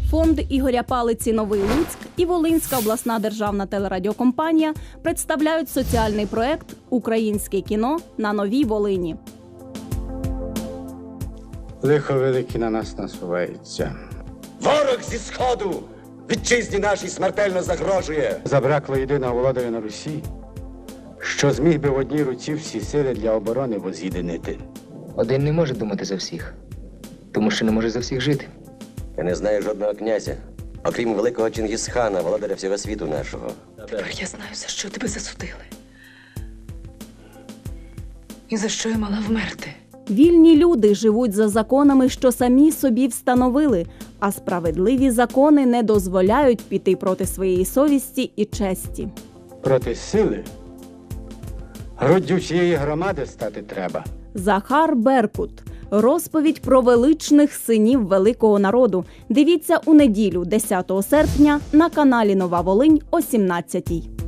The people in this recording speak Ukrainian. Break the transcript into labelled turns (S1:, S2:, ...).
S1: Фонд Ігоря Палиці «Новий Луцьк» і Волинська обласна державна телерадіокомпанія представляють соціальний проект «Українське кіно на Новій Волині».
S2: Лихо велике на нас насувається.
S3: Ворог зі Сходу вітчизні нашій смертельно загрожує.
S2: Забракло єдиного володаря на Русі, що зміг би в одній руці всі сили для оборони воз'єдинити.
S4: Один не може думати за всіх, тому що не може за всіх жити.
S3: Я не знаю жодного князя, окрім великого Чингісхана, володаря всього світу нашого.
S5: Тепер я знаю, за що тебе засудили. І за що я мала вмерти.
S1: Вільні люди живуть за законами, що самі собі встановили, а справедливі закони не дозволяють піти проти своєї совісті і честі.
S2: Проти сили груддю всієї громади стати треба.
S1: Захар Беркут. Розповідь про величних синів великого народу. Дивіться у неділю, 10 серпня, на каналі Нова Волинь о 17-й.